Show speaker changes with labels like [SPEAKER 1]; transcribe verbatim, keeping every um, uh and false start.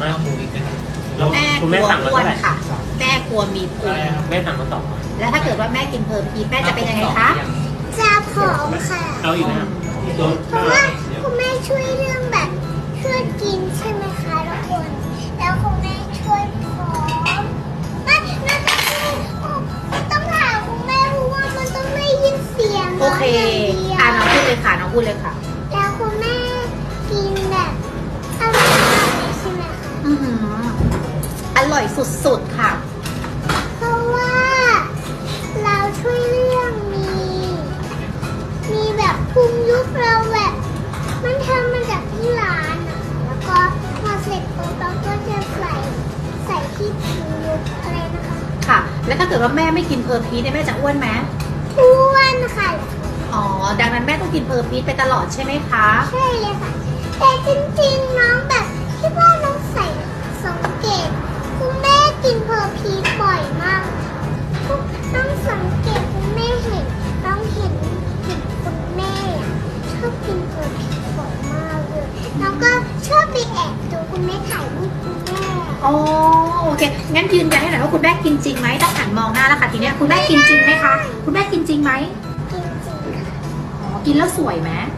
[SPEAKER 1] มากหมูอีกนะ
[SPEAKER 2] แม่
[SPEAKER 1] คุณ
[SPEAKER 2] ก
[SPEAKER 1] แม่
[SPEAKER 2] ลัว
[SPEAKER 1] สั่งมา
[SPEAKER 2] อ้ว
[SPEAKER 1] เท่าน ไหร่
[SPEAKER 2] ค่ะ แม่กลัวมีพุง
[SPEAKER 1] แม่สั่งมาสอง
[SPEAKER 2] แล้วถ้าเกิดว่าแม่กินเพอร์พีชแม่จะเป็นยังไงคะ
[SPEAKER 3] จะผอมค่ะ
[SPEAKER 1] เอาอีกนะโดน
[SPEAKER 3] เพราะว่าคุณแม่ช่วยเรื่องแบบช่วยกินใช่ไหมคะทุกคน แล้วคุณแม่ช่วยผอมไม่น่าจะช่วยต้องถามคุณแม่เพราะว่ามันต้องได้ยินเสียง
[SPEAKER 2] โอเค
[SPEAKER 3] น้
[SPEAKER 2] อ่า
[SPEAKER 3] อง
[SPEAKER 2] น้องพูดเลยค่ะ น้องพูดเลยค่ะ
[SPEAKER 3] แล้วคุณแม่กินแบบอร่อยมากเลยใช่ไหมคะ
[SPEAKER 2] อือหืออร่อยสุดๆค่ะ
[SPEAKER 3] เพราะว่าเราช่วยเรื่องมี มีแบบพุงยุบเราแบบ มันทำมาจากที่ร้านอะแล้วก็พอเสร็จปุ๊บเราก็จะใส่ใส่ที่พุงยุบอะไรนะคะ
[SPEAKER 2] ค่ะ แล้วถ้าเกิดว่าแม่ไม่กินเพอร์พีชเนี่ยแม่จะอ้วนไหม
[SPEAKER 3] อ้วนค่ะ
[SPEAKER 2] อ๋อ ดังนั้นแม่ต้องกินเพอร์พีชไปตลอดใช่ไหมคะ
[SPEAKER 3] ใช่เลยค่ะ แต่จริงๆน้องแบบคิดว่าน้องใส่สังเกตคุณแม่กินเพอร์พีชบ่อยมากน้องสังเกตคุณแม่เห็นน้องเห็นเห็นคุณแม่อะชอบกินเพอร์พีชบ่อยมากเลยน้องก็ชอบไปแอบดูคุณแม่ถ่ายรูปคุณแม่
[SPEAKER 2] อ๋อ โอเค งั้นยืนยันให้หน่อยว่าคุณแม่กินจริงไหมต้องหันมองหน้าแล้วค่ะทีเนี้ยคุณแม่กินจริงไหมคะ คุณแม่กินจริงไหม
[SPEAKER 3] กินจริงค่ะ
[SPEAKER 2] อ๋อ กินแล้วสวยไหม
[SPEAKER 3] ส